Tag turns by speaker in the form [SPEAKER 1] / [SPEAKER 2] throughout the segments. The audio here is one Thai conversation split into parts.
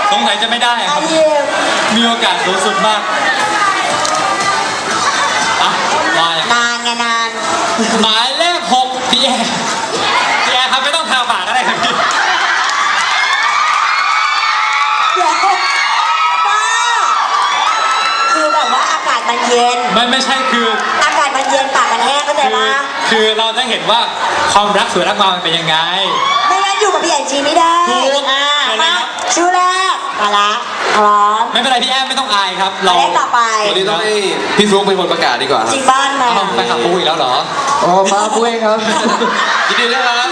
[SPEAKER 1] สงสัยจะไม่ได้ครับมีโอกาสสูงสุดมากอ่ะมาอย่าง
[SPEAKER 2] นานไงนาน
[SPEAKER 1] หมายเลข6พี่แอร์ครับไม่ต้องทาปากก็ได้ครับพี่
[SPEAKER 2] เดี๋ยวป้าคือแบบว่าอากาศมันเย็น
[SPEAKER 1] ไม่ใช่คือ
[SPEAKER 2] อากาศมันเย็นปากมันแห้งเข้าใจปะ
[SPEAKER 1] คือเราจะเห็นว่าความรักสวยรักงามมันเป็นยังไง
[SPEAKER 2] ไม่งั้นอยู่กับพี่แอนชีไม่ได้
[SPEAKER 1] ถูก
[SPEAKER 2] มาชูแรกมาละพร้อม
[SPEAKER 1] ไม่เป็นไรพี่แอร์ไม่ต้องอายครับ
[SPEAKER 2] หมายเลขต่อไป
[SPEAKER 3] วันนี้ต้องให้พี่ฟลุ๊กเป็นคนประกาศดีกว่าค
[SPEAKER 2] จ
[SPEAKER 3] รับ
[SPEAKER 2] ริงบ้านมา
[SPEAKER 1] เอาไปขับปูอีกแล้วเหรอ
[SPEAKER 3] อ๋อมาปุ้ยครับยินดีด้วยครับ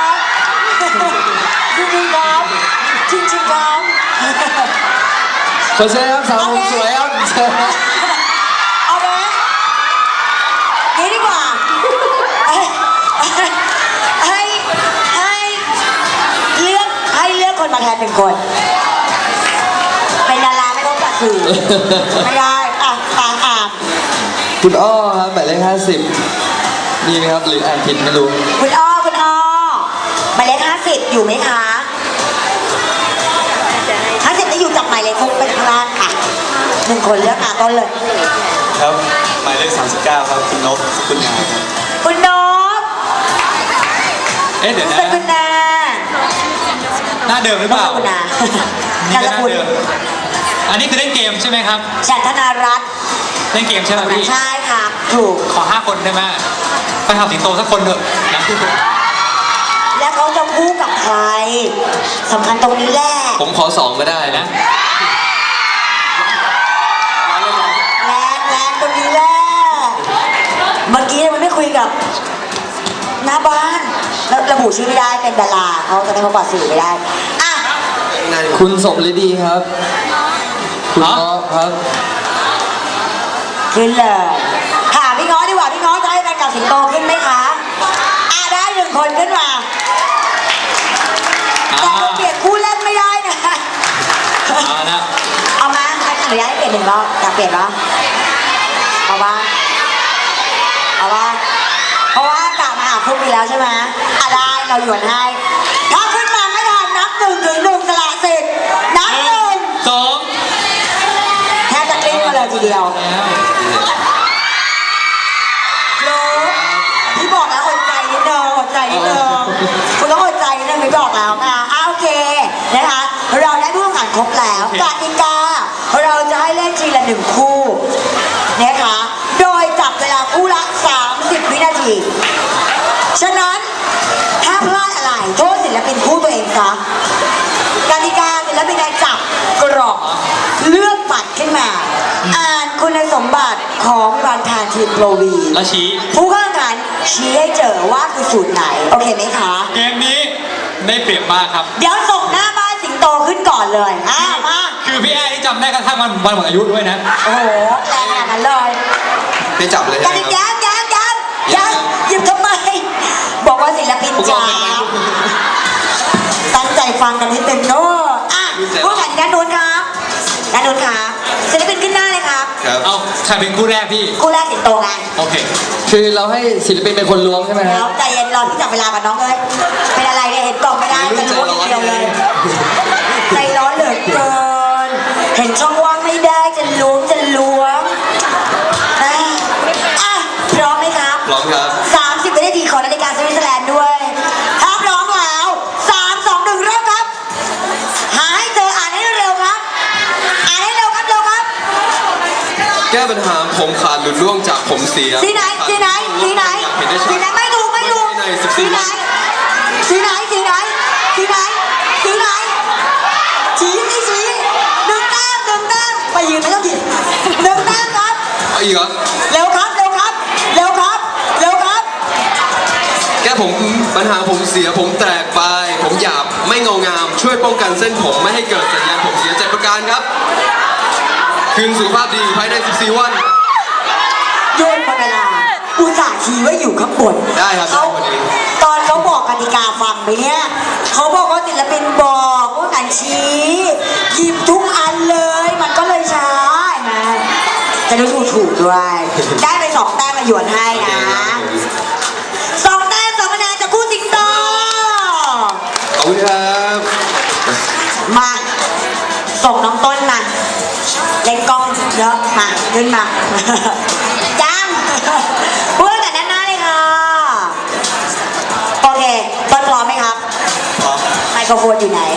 [SPEAKER 2] จริงๆครับจริงๆครับ
[SPEAKER 3] ขอเชิญครับสาวผมสวยครับเชิญครับ
[SPEAKER 2] เอาไหมนี่ดีกว่าให้เลือกคนมาแทนหนึ่งคนเป็นดาราไม่ต้องจัดสื่อไม่ได้อ่ะ
[SPEAKER 3] คุณอ้อครับหมายเลข50นี่ไหมครับหรืออ่านผิดไม่รู้
[SPEAKER 2] คุณอ้อหมายเลข50อยู่ไหมคะ50จะอยู่จับหมายเลขคุกไปข้างล่างค่ะหนึ่งคนเลือกต้นเลย
[SPEAKER 4] ครับหมายเลข39ครับคุณนพสกุลงามครับ
[SPEAKER 2] คุณนพ
[SPEAKER 1] เอ๊ะเดี๋ยว
[SPEAKER 2] ส
[SPEAKER 1] นะ
[SPEAKER 2] กุลนา
[SPEAKER 1] หน้าเดิมหรือเปล่า
[SPEAKER 2] สกุลนา
[SPEAKER 1] นี่
[SPEAKER 2] การ
[SPEAKER 1] ก็หน้า
[SPEAKER 2] กุล
[SPEAKER 1] เดิมอันนี้คือเล่นเกมใช่ไหมครับ
[SPEAKER 2] ฉันธนารัตน์
[SPEAKER 1] เล่นเกมใช่ไหมพี่
[SPEAKER 2] ใช่ครับถูก
[SPEAKER 1] ขอ5 คนได้ไหมไปทำสิงโตสักคนเถอะนะ
[SPEAKER 2] แล้วเขาจะคู่กับใครสำคัญตรงนี้แหละ
[SPEAKER 3] ผมขอ2ก็ได้นะ
[SPEAKER 2] แรงตรงนี้แหละเมื่อกี้มันไม่คุยกับหน้าบ้านแล้วระบุชื่อไม่ได้เป็นดาราเขาจะไม่เขาปล่อยสื่อไม่ได้อ่ะ
[SPEAKER 3] คุณสมฤดีครับ คุณอ้อครับ
[SPEAKER 2] ขึ้นเลยถามพี่ง้อดีกว่าพี่ง้อจะให้แฟนกับสิงโตขึ้นไหมคะได้1 คนขึ้นมาแต่เราเปลี่ยนคู่เล่นไม่ได้นะ
[SPEAKER 1] เอาละ
[SPEAKER 2] เอามาอนุญาตให้เปลี่ยน1 รอบอยากเปลี่ยนปะเอาปะเอาปะเพราะว่ากลับมาหาคู่มีแล้วใช่ไหมได้เราหยวนให้ถ้าขึ้นมาไม่ทันนับ1 ถึง 1สละสิทธิ์นับ1
[SPEAKER 1] 2
[SPEAKER 2] แทบจะกลิ้งมาเลยทีเดียว
[SPEAKER 1] แล้ว
[SPEAKER 2] รู้พี่บอกแล้วอดใจนิดนึงคุณต้องอดใจนิดนึงพี่บอกแล้วนะโอเคนะคะเราได้ผู้แข่งขันครบแล้วกติกาเราจะให้เล่นทีละ1 คู่นะคะโดยจับเวลาคู่ละ30 วินาทีฉะนั้นถ้าพลาดอะไรโทษศิลปินคู่ตัวเองซะกติกาศิลปินจับกรอกเลือกบัตรขึ้นมาอ่านคุณสมบัติของบางทานทีมโปรวี
[SPEAKER 1] แล้วชี้
[SPEAKER 2] ผู้เข้าแข่งขันชี้ให้เจอว่าคือสูตรไหนโอเคไหมคะ
[SPEAKER 1] เกมนี้ได้เปรียบมากครับ
[SPEAKER 2] เดี๋ยวส่งหน้าบ้านสิงโตขึ้นก่อนเลยมา
[SPEAKER 1] คือพี่แอร์ที่จำได้กระทั่งวันหมดอายุด้วยนะ
[SPEAKER 2] โอ้โหแรงขนาดนั้นเลย
[SPEAKER 3] ไม่จับเลย
[SPEAKER 2] กัน
[SPEAKER 3] นะครับ
[SPEAKER 2] ยังหยิบทำไมบอกว่าศิลปินจ๋าตั้งใจฟังกันนิดนึงเนอะผู้แข่งด้านโน้นครับด้านโน้นครับศิลปินขึ้นหน้าเลยครับ
[SPEAKER 3] ครับ
[SPEAKER 1] เอาใครเป็นคู่แรกพี่
[SPEAKER 2] คู่แรกสิงโตไง
[SPEAKER 1] โอเค
[SPEAKER 3] คือเราให้ศิลปินเป็นคนล้วงใช่ไหมค
[SPEAKER 2] แล้
[SPEAKER 3] รั
[SPEAKER 2] ว
[SPEAKER 3] บ
[SPEAKER 2] ใจเย็นรอที่จับเวลากับน้องเลยเป็นอะไรเนี่ยเห็นกล่องไม่ได้จะรู้ทีเดียวเลยใจร้อนเหลือเกินเห็นช่องว่างไม่ได้จะล้วงพร้อมไหมครับ
[SPEAKER 3] พร้อมครับ
[SPEAKER 2] 30 วินาทีของนาฬิกาสวิตเซอร์แลนด์ด้วยถ้าพร้อมแล้ว3 2 1เริ่มครับหาให้เจออ่านให้เร็วครับอ่านให้เร็วครับ
[SPEAKER 3] แก้ปัญหาผมขาดหลุดร่วงจากผมเสีย
[SPEAKER 2] สีไหนไม่ถูกสีไหนชี้หนึ่งแต้มไปยืนไม่ต้องผิด1 แต้มครับ
[SPEAKER 3] เอาอีกเหรอ
[SPEAKER 2] เร็วครับ
[SPEAKER 3] แก้ผมปัญหาผมเสียผมแตกไป ผมหยาบไม่เงางาม ช่วยป้องกันเส้นผมไม่ให้เกิดสัญญาณผมเสีย7 ประการครับ คืนสุขภาพดีภายใน14 วัน
[SPEAKER 2] โยนเวลาอุตส่าห์ชี้ว่าอยู่ข้างบน
[SPEAKER 3] ได้ครับ
[SPEAKER 2] เขา
[SPEAKER 3] ได้พอดี
[SPEAKER 2] ตอนเขาบอกกติกาฟังไหมเนี่ยเขาบอกว่าศิลปินบอกว่าการชี้หยิบทุกอันเลยมันก็เลยช้านะจะได้ถูกด้วยได้ไป2 แต้มมาหยวนให้นะ2 แต้ม2 คะแนนจากคู่สิงโต
[SPEAKER 3] ขอบคุณครับ
[SPEAKER 2] มาส่งน้องต้นมาเล่นกล้องเยอะมาขึ้นมาจังพูดกันหน้าเลยค่ะโอเคต้นพร้อมไหมครับ
[SPEAKER 4] พร้อม
[SPEAKER 2] ไมโครโฟนอยู่ไหน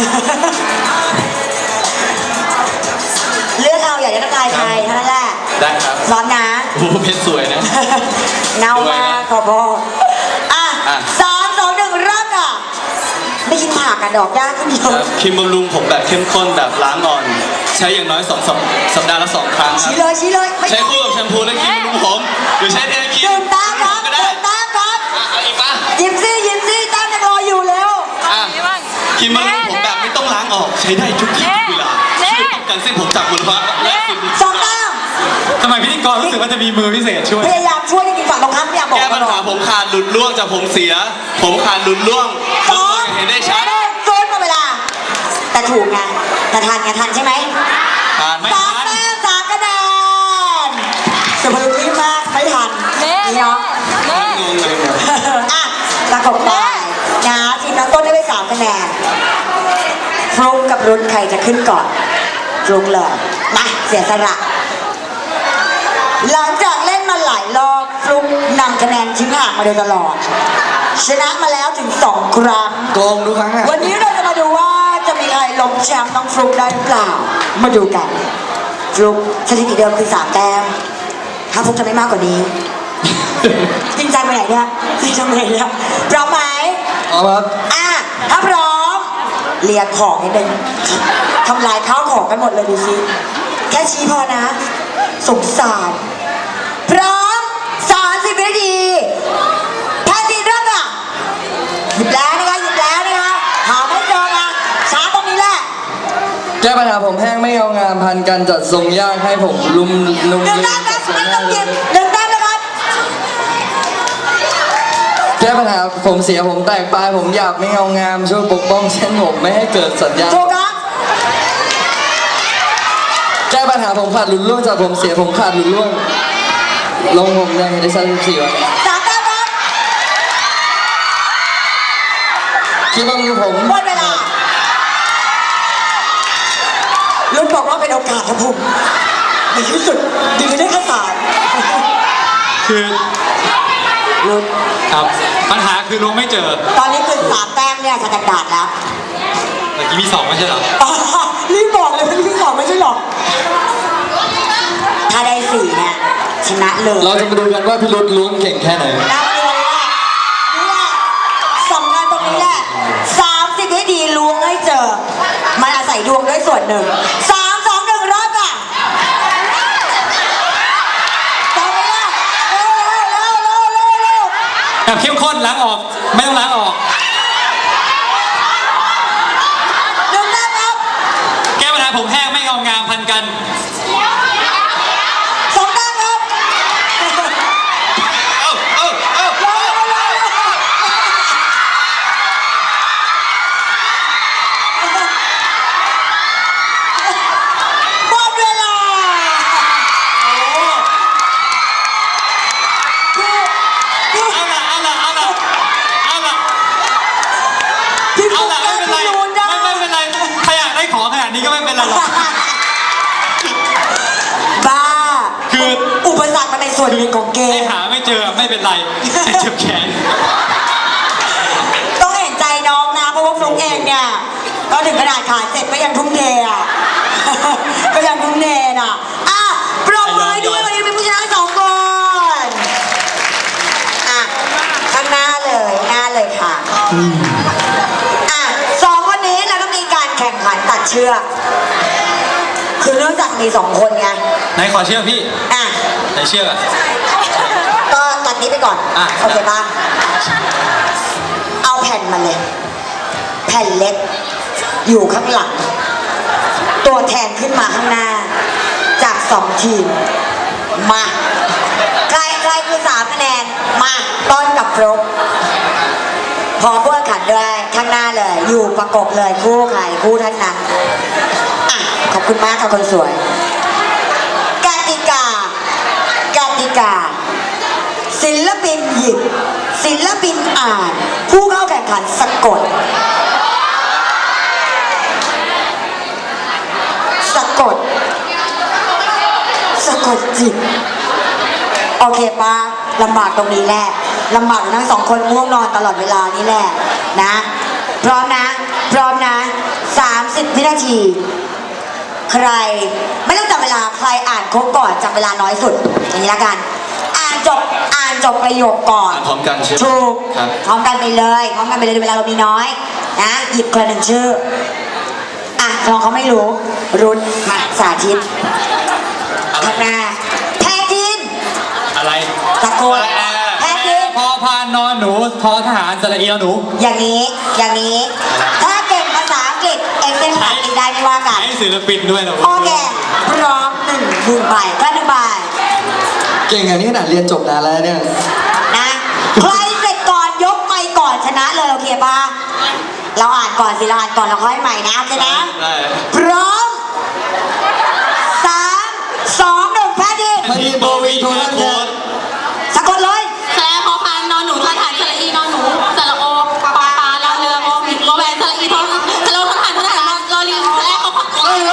[SPEAKER 2] เลือกเอาอยากจะทักทายใครเท่านั้นแหละ
[SPEAKER 4] ได้ครับ
[SPEAKER 2] พร้อมนะ
[SPEAKER 4] โอ้โหเพชรสวยนะ
[SPEAKER 2] เน่ามากขอบอกอ่ะ
[SPEAKER 4] อ่ะ
[SPEAKER 2] 3 2 1เริ่มค่ะไม่กินผักอะดอกยากขึ้นเย
[SPEAKER 4] ครั
[SPEAKER 2] อะ
[SPEAKER 4] บครีมบำรุงผมแบบเข้มข้นแบบล้างอ่อน ใช้อย่างน้อยสัปดาห์ละ 2 ครั้งครั
[SPEAKER 2] ชี้
[SPEAKER 4] บ
[SPEAKER 2] เลยชี้เลยไม่
[SPEAKER 4] ใช้คู่กับแชมพูและครีมบำรุงผมหรือใช้แทนครีม
[SPEAKER 2] ดื่มตามครับ
[SPEAKER 4] ก็ได้
[SPEAKER 2] ดื่มตามครับ
[SPEAKER 3] เอาอีกปะ
[SPEAKER 2] ยิ้มซี่ตามยังรออยู่แล้ว
[SPEAKER 4] อ่ะครีมบำรุงผมแบบไม่ต้องล้างออกใช้ได้ทุกที่ทุกเวลาช่วยป้องกันเส้นผมจากมลภาวะและฝุ่น
[SPEAKER 2] สองตาม
[SPEAKER 1] ทำไมพิธีกรรู้สึกว่าจะมีมือพิเศษช่วย
[SPEAKER 2] พยายามช่วยจริงๆฝั่งตรงข้ามพยายามบอก
[SPEAKER 4] แก้ปัญหาผมขาดหลุดร่วงจากผมเสีย ผมขาดหลุดร่วง
[SPEAKER 2] ส
[SPEAKER 4] ทุก
[SPEAKER 2] อ
[SPEAKER 4] คน
[SPEAKER 2] ง
[SPEAKER 4] เห็นได้ชัด
[SPEAKER 2] โซนมาเวลา แต่ถูกไงแต่ทันไงทันใช่ไหม
[SPEAKER 4] ผ่าน
[SPEAKER 1] ไม่
[SPEAKER 2] สามแต้ม3 คะแนนสุภาพรีบมากไม่ทันนี่เนาะ
[SPEAKER 4] งงเลยเนี่ย
[SPEAKER 2] อ่ะประกบไปนะทีมน้องต้นได้ไป3 คะแนนฟลุ๊กกับรุ่นใครจะขึ้นก่อนฟลุ๊กเลยมาเสียสละหลังจากเล่นมาหลายรอบฟลุ๊กนำคะแนนทิ้งห่างมาโดยตลอด ชนะมาแล้วถึง2 ครั้ง
[SPEAKER 3] โกงทุกครั้งอะ
[SPEAKER 2] วันนี้เราจะมาดูว่าจะมีใครล้มแชมป์น้องฟลุ๊กได้หรือเปล่า มาดูกันฟลุ๊กสถิติเดิมคือ3 แต้มถ้าฟลุ๊กจะไม่มากกว่านี้ จริงจังไปไหนเนี่ยจริงจังไปไหนเนี่ยพร้อมไหม
[SPEAKER 3] เอาครับ
[SPEAKER 2] อ่ะถ้าพร้อมเรียงของนิดนึงทำลายข้าวของกันหมดเลยดูสิแค่ชี้พอนะสงสารพร้อม30 วินาทีแพนดีเริ่มอ่ะหยิบแล้วนะคะหยิบแล้วนะคะหาไม่เจอนะช้าตรงนี้แหละ
[SPEAKER 5] แก้ปัญหาผมแห้งไม่เอางามพันกันจัดทรงยากให้ผมลุม
[SPEAKER 2] หนึ่งแต้มครับไม่ต้องหยิบ1 แต้มนะครับ
[SPEAKER 5] แก้ปัญหาผมเสียผมแตกปลายผมหยาบไม่เอางามช่วยปกป้องเส้นผมไม่ให้เกิดสัญญาณ
[SPEAKER 2] ถูกครับ
[SPEAKER 5] แก้ปัญหาผมขาดหลุดร่วงจากผมเสียผมขาดหลุดร่วงลงผมยังเห็นได้ชัด14วะ
[SPEAKER 2] 3 แต้มครับ
[SPEAKER 5] คิดว่ามือผม
[SPEAKER 2] หมดเวลารุ่นบอกว่าเป็นโอกาสครับผมในที่สุดดีได้แค่3
[SPEAKER 1] คือ
[SPEAKER 2] รุ่น
[SPEAKER 1] ครับปัญหาคือลุงไม่เจอ
[SPEAKER 2] ตอนนี้คือ3 แต้มเนี่ยสแตนดาร์ดแล้ว
[SPEAKER 1] เมื่อกี้มี2ไม่ใช่เหรอ
[SPEAKER 2] อ๋อรีบบอกเลยว่าที่2ไม่ใช่หรอกถ้าได้4เนี่ยชนะเลย
[SPEAKER 5] เราจะมาดูกันว่าพี่รุดล้วงเก่งแค่ไหน
[SPEAKER 2] แล้วนี่แหละสำคัญตรงนี้แหละ30ให้ดีล้วงให้เจอ มันอาศัยดวงด้วยส่วนหนึ่ง3 2 1รอบอ่ะต่อไปละเร็ว
[SPEAKER 1] แบบเข้มข้นล้างออก ไม่ต้องล้างออก
[SPEAKER 2] 1 แต้มครับ
[SPEAKER 1] แก้ปัญหาผมแห้งไม่เงางามพันกัน
[SPEAKER 2] 2 แต้มครับ
[SPEAKER 3] เอ้าเอ้าเอ้า
[SPEAKER 2] หมดเวลาคือ
[SPEAKER 1] เอาละเอาละเอาละเอาละ
[SPEAKER 2] พี่
[SPEAKER 1] เอา
[SPEAKER 2] ฟุ๊ก
[SPEAKER 1] ละไม่เป็นไร
[SPEAKER 2] พี่นูนได้
[SPEAKER 1] ไม่เป็นไรใครอยากได้ของขนาดนี้ก็ไม่เป็นไรหรอก
[SPEAKER 2] บ้า
[SPEAKER 1] คือ
[SPEAKER 2] อุปสรรคมันเป็นส่วนหนึ่งของเก
[SPEAKER 1] ไอ้
[SPEAKER 2] ม
[SPEAKER 1] หาไม่เจอไม่เป็นไรแต่เจ็บแขน
[SPEAKER 2] ต้องเห็นใจน้องนะ เพราะว่าฟลุ๊กเองเนี่ยก็ถึงขนาดขาเจ็บก็ยังทุ่มเทอ่ะ ก็ยังทุ่มเทน่ะอ่ะปรบมือให้ด้วยวันนี้เป็นผู้ชนะ2 คนอ่ะข้างหน้าเลยค่ะอ่ะ2 คนนี้เราก็มีการแข่งขันตัดเชือกคือเนื่องจากมี2 คนไง
[SPEAKER 1] ไหนขอเชือกพี่
[SPEAKER 2] อ่ะ
[SPEAKER 1] ไหนเชือกอะ
[SPEAKER 2] ก็ตัดนี้ไปก่อน
[SPEAKER 1] อ่ะ
[SPEAKER 2] โอเคป่ะเอาแผ่นมาเลย แผ่นเล็ก อยู่ข้างหลัง ตัวแทนขึ้นมาข้างหน้า จาก2 ทีม มาใครคือ3 คะแนน มาต้นกับฟลุ๊กพอพวกขันด้วยข้างหน้าเลย อยู่ประกบเลยคู่ใครคู่ท่านนั้นอ่ะขอบคุณมากค่ะคนสวยกติกา ศิลปินหยิบศิลปินอ่าน ผู้เข้าแข่งขันสะกดกดจิตโอเคปะลำบากตรงนี้แหละลำบากทั้งสองคนง่วงนอนตลอดเวลานี่แหละนะพร้อมนะพร้อมนะ30 วินาที ใครไม่ต้องจับเวลาใครอ่านครบก่อนจับเวลาน้อยสุดอย่างนี้ละกันอ่านจบประโยคก่อน
[SPEAKER 4] อ่านพร้อมกันใช่ไหม
[SPEAKER 2] ถูก
[SPEAKER 4] ครับ
[SPEAKER 2] พร้อมกันไปเลยพร้อมกันไปเลยเวลาเรามีน้อยนะหยิบคนละหนึ่งชื่ออ่ะน้องเขาไม่รู้รุนมาสาธิตข้างหน้าแพ้ทิน
[SPEAKER 1] อะไร
[SPEAKER 2] ตะโกนแพ้ทิน
[SPEAKER 1] พอพานนอนหนูพอทหารสระเอียวหนู
[SPEAKER 2] อย่างนี้ถ้าเก่งภาษาอังกฤษเอ็กเซนภาษาอังกฤษได้ไม่ว่ากัน
[SPEAKER 1] ให้ศิลปินด้วยเหรอ
[SPEAKER 2] โอเคพร้อมหนึ่งใบก็1 ใบ
[SPEAKER 5] เก่งอย่างนี้ขนาดเรียนจบนานแล้วเนี่ย
[SPEAKER 2] นะใครเสร็จก่อนยกไมค์ก่อนชนะเลยโอเคป่ะเราอ่านก่อนสิเราอ่านก่อนเราค่อยใหม่นะโอเคนะ
[SPEAKER 4] ได้
[SPEAKER 2] พร้อม3 2 1แพ้ดิ
[SPEAKER 5] พอดีโบวีโทรทัศน์เนี่ย
[SPEAKER 2] สะกดเลย
[SPEAKER 6] แสลพอพานนอนหนูทอฐานสระอีนอนหนูสระโอปลาลาเรือโอวิดโอแวนสระอีทอสระโอทอฐานทหารรอลิงแสลพอพาน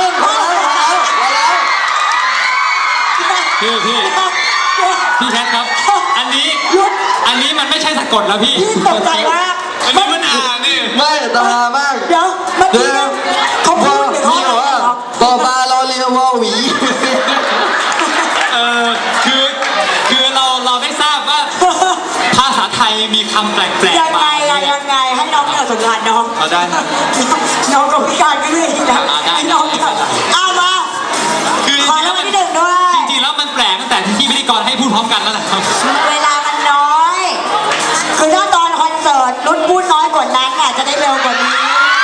[SPEAKER 1] พี่แคทครับ อันนี้มันไม่ใช่สะกดแล้วพี่
[SPEAKER 2] พี่ตกใจมาก
[SPEAKER 4] อันนี้มันอ่านนี่
[SPEAKER 5] ไม่ตามาก
[SPEAKER 2] เดี๋ยวเมื่อกี้เนี่ยเขาพูดหรือเขา
[SPEAKER 5] มี
[SPEAKER 2] อะไร
[SPEAKER 5] บอกว่า
[SPEAKER 2] เหรอ
[SPEAKER 5] ปอปลาเราเรียกว่าหวี
[SPEAKER 1] เออคือเราได้ทราบว่า ภาษาไทยมีคำแปลก
[SPEAKER 2] ยัง
[SPEAKER 1] ๆ
[SPEAKER 2] ไง
[SPEAKER 1] มา
[SPEAKER 2] อะยังไงให้น้องเนี่ยสงสารน้อง
[SPEAKER 1] เอาได้ครับ
[SPEAKER 2] น้องกับพี่การก็เลยทีนะ
[SPEAKER 1] ได้
[SPEAKER 2] ให้น้องเนี่ยเอามา
[SPEAKER 1] คือจ
[SPEAKER 2] ขอ
[SPEAKER 1] ริงๆ
[SPEAKER 2] รา
[SPEAKER 1] แล้
[SPEAKER 2] ง
[SPEAKER 1] ว
[SPEAKER 2] วัล
[SPEAKER 1] มัน
[SPEAKER 2] ที่ 1ด้วย
[SPEAKER 1] จริงๆแล้วมันแปลกตั้งแต่ที่พิธีกรให้พูดพร้อมกันแล้วแหละครับ
[SPEAKER 2] เวลามันน้อย คือถ้าตอนคอนเสิร์ตรุ่นพูดน้อยกว่านั้นน่ะจะได้เร็วกว่านี้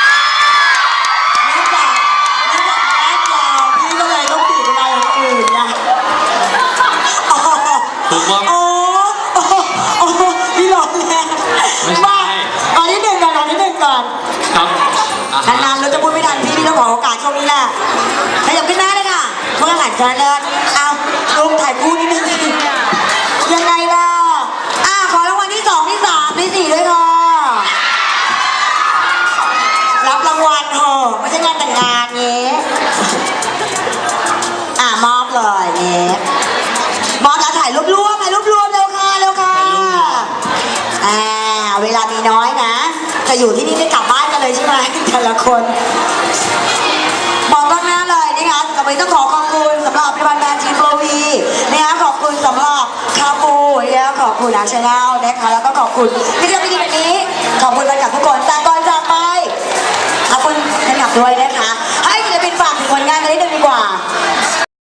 [SPEAKER 2] นี่จากแอปยาวพี่ก็เลยต้องบีบเวลาอย่างอื่นนะ
[SPEAKER 1] ถูกต้อง
[SPEAKER 2] โอ้พี่หลอกแรงมาตอนที่หนึ่งก่อน
[SPEAKER 1] ครับ
[SPEAKER 2] นานๆเราจะพูดไม่ทันพี่ต้องขอโอกาสช่วงนี้แหละขยับขึ้นหน้าเลยค่ะเมื่อหลังจากนั้นเอาลงถ่ายคู่นิดนึงสิยังไงล่ะขอรางวัลที่ 2 ที่ 3 ที่ 4ด้วยค่ะรับรางวัลเถอะไม่ใช่งานแต่งงานเงี้มอบเลยเงี้มอบแล้วถ่ายรวบเร็วค่ะเร็วค่ะเวลามีน้อยนะจะอยู่ที่นี่ไม่กลับบ้านกันเลยใช่ไหมแต่ละคนมองกล้องหน้าเลยนะคะกับวันนี้ต้องขอบคุณสำหรับผลิตภัณฑ์แบรนด์ทีโฟวีนะคะขอบคุณสำหรับคาปูนะคะขอบคุณอาชแนลนะคะแล้วก็ขอบคุณที่ทำพิธีวันนี้ขอบคุณแฟนคลับทุกคนแต่ก่อนจากไปขอบคุณแฟนคลับด้วยนะคะ